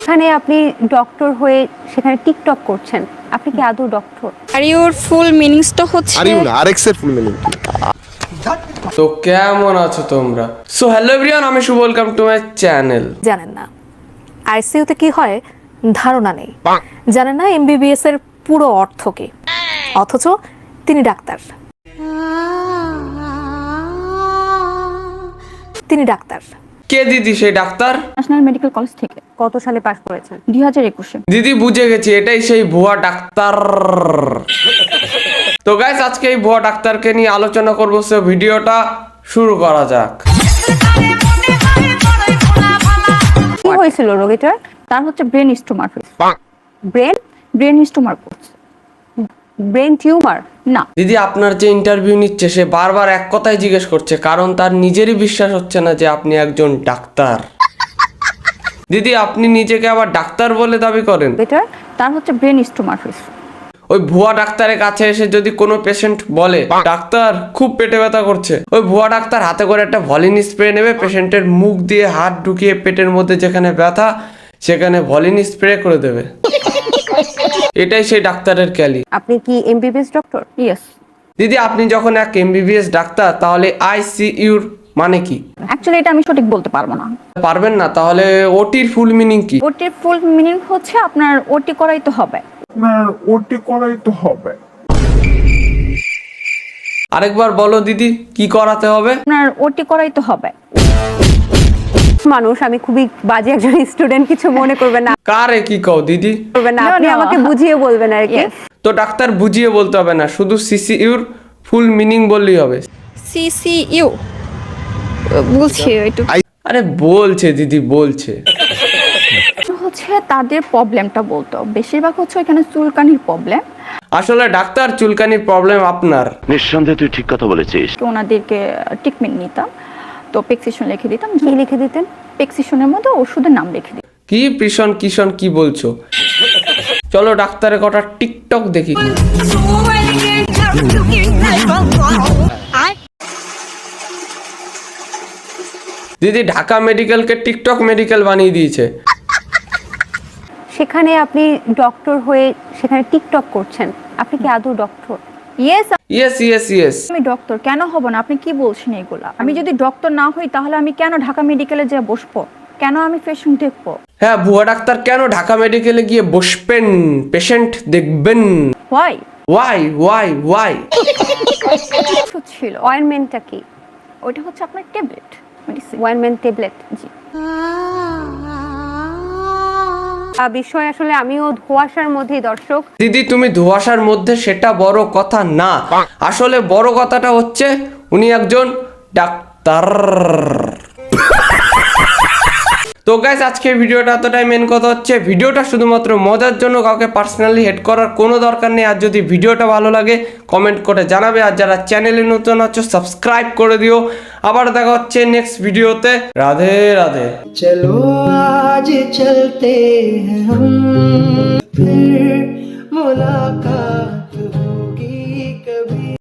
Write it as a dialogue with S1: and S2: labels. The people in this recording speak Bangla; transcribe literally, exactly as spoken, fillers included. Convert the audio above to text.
S1: সেখানে আপনি ডক্টর হয়ে সেখানে টিকটক করছেন, আপনি কি আদৌ ডক্টর?
S2: আর ইউর ফুল মিনিংসটা হচ্ছে
S3: আর ইউ না আরএক্স এর ফুল মিনিং কি?
S4: তো কেমন আছো তোমরা? সো হ্যালো এভরিওয়ান, আমি Shubho, welcome to my channel.
S5: জানেন না আইসিইউতে কি হয় ধারণা নেই, জানেন না এমবিবিএস এর পুরো অর্থ কি, অথচ তিনি ডাক্তার তিনি ডাক্তার
S4: কে দিদি সেই ডাক্তার?
S2: ন্যাশনাল মেডিকেল কলেজ থেকে
S1: কত সালে পাশ করেছেন?
S2: দুই হাজার একুশে।
S4: দিদি বুঝে গেছি, এটাই সেই ভুয়া ডাক্তার। তো গাইস, আজকে এই ভুয়া ডাক্তারকে নিয়ে আলোচনা করবো, সো ভিডিওটা শুরু করা যাক।
S1: কি হয়েছিল রোগীটার?
S2: তার হচ্ছে ব্রেন স্টোমার হয়েছে।
S1: ব্রেন
S2: ব্রেন স্টোমার করছে
S1: ব্রেন টিউমার?
S2: না,
S4: দিদি আপনার যে ইন্টারভিউ নিচ্ছে সে বারবার এক কথাই জিজ্ঞেস করছে, কারণ তার নিজেরই বিশ্বাস হচ্ছে না যে আপনি একজন ডাক্তার। দিদি আপনি নিজেকে আবার ডাক্তার বলে দাবি করেন?
S1: বেটার
S2: তার হচ্ছে ব্রেন স্টোমার হয়েছে।
S4: ওই ভুয়া ডাক্তারের কাছে এসে যদি কোনো পেশেন্ট বলে ডাক্তার খুব পেটে ব্যথা করছে, ওই ভুয়া ডাক্তার হাতে করে একটা ভলিন স্প্রে নেবে, পেশেন্টের মুখ দিয়ে হাত ঢুকিয়ে পেটের মধ্যে যেখানে ব্যথা সেখানে ভলিন স্প্রে করে দেবে। এটাই সেই ডাক্তারের ক্যালি।
S1: আপনি কি এমবিবিএস ডক্টর?
S2: ইয়েস।
S4: দিদি আপনি যখন এক এমবিবিএস ডাক্তার, তাহলে আইসিইউর মানে কি?
S2: অ্যাকচুয়ালি এটা আমি সঠিক বলতে পারবো না।
S4: পারবেন না? তাহলে ওটির ফুল মিনিং কি?
S2: ওটির ফুল মিনিং হচ্ছে আপনার ওটি করাই তো হবে।
S6: আপনার ওটি করাই তো হবে।
S4: আরেকবার বলো দিদি, কি করাতে হবে?
S2: আপনার ওটি করাই তো হবে।
S1: মানুষ, আমি খুবই বাজে একজন স্টুডেন্ট, কিছু মনে করবেন না
S4: কারে কি কও দিদি?
S1: করবেন না,
S2: No,
S1: আপনি
S2: no.
S1: আমাকে বুঝিয়ে বলবেন আর কি।
S2: Yes.
S4: তো ডাক্তার বুঝিয়ে বলতে হবে না, শুধু সিসিইউর ফুল মিনিং বললেই হবে।
S2: সিসিইউ বলছি একটু
S4: আরে বলছে দিদি, বলছে।
S2: হচ্ছে তাদের প্রবলেমটা বলতো, বেশিরভাগ হচ্ছে এখানে চুলকানির প্রবলেম।
S4: আসলে ডাক্তার চুলকানির প্রবলেম আপনার।
S7: নিঃসন্দেহে তুই ঠিক কথা বলেছিস।
S2: তো ওনাদেরকে ট্রিটমেন্ট নিতাম, তো প্রেসক্রিপশন লিখে দিতাম।
S1: কি লিখে দিতেন?
S2: প্রেসক্রিপশনের মধ্যে ওষুধের নাম লিখে দিতাম।
S4: কি প্রিশন কিশন কি বলছো? চলো ডাক্তারের কটা টিকটক দেখি। দিদি ঢাকা মেডিকেলকে টিকটক মেডিকেল বানিয়ে দিয়েছে।
S1: সেখানে আপনি ডক্টর হয়ে সেখানে টিকটক করছেন, আপনি কি আদৌ doctor?
S2: Yes,
S4: yes yes yes.
S2: আমি ডক্টর কেন হব না? আপনি কি বলছেন এগুলা? আমি যদি ডক্টর না হই তাহলে আমি কেন ঢাকা মেডিকেলে যেয়ে বসবো? কেন আমি পেশেন্ট দেখবো?
S4: হ্যাঁ, ভুয়া ডাক্তার কেন ঢাকা মেডিকেলে গিয়ে বসবেন, পেশেন্ট দেখবেন?
S2: Why
S4: why why why?
S2: ওষুধ ছিল,
S1: অয়েনমেন্টটা কি?
S2: ওইটা হচ্ছে আপনার ট্যাবলেট মেডিসিন।
S1: Ointment tablet?
S2: জি।
S1: বিষয় আসলে আমিও ধোঁয়াশার মধ্যেই দর্শক।
S4: দিদি তুমি ধোঁয়াশার মধ্যে, সেটা বড় কথা না। আসলে বড় কথাটা হচ্ছে উনি একজন ডাক্তার। তো গাইস, আজকে ভিডিওটা এতটাই। মেন কথা হচ্ছে ভিডিওটা শুধুমাত্র মজার জন্য, কাউকে পার্সোনালি হেড করার কোনো দরকার নেই। আর যদি ভিডিওটা ভালো লাগে কমেন্ট করে জানাবে, আর যারা চ্যানেলে নতুন আছো সাবস্ক্রাইব করে দিও। আবার দেখা হচ্ছে নেক্সট ভিডিওতে। রাধে রাধে।
S8: चलो आज चलते हैं हम फिर मुलाकात हो।